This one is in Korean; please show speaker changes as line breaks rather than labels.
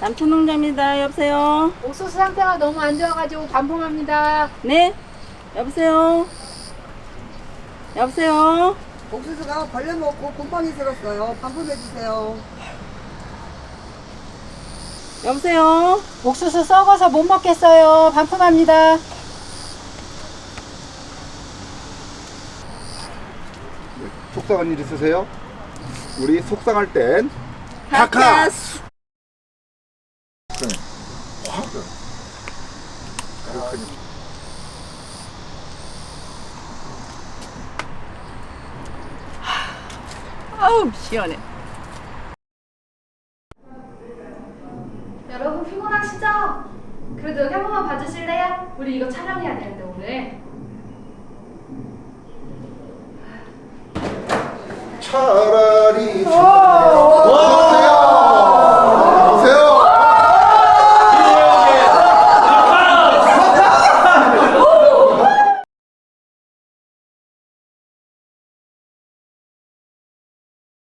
남초농장입니다. 여보세요?
옥수수 상태가 너무 안 좋아가지고 반품합니다.
네? 여보세요? 여보세요?
옥수수가 벌레 먹고 곰팡이 들었어요. 반품해주세요.
여보세요?
옥수수 썩어서 못 먹겠어요. 반품합니다.
속상한 일 있으세요? 우리 속상할 땐
카카스!
확
아우, 시원해.
여러분 피곤하시죠? 그래도 여기 한 번만 봐주실래요? 우리 이거 촬영해야 되는데 오늘.
차라리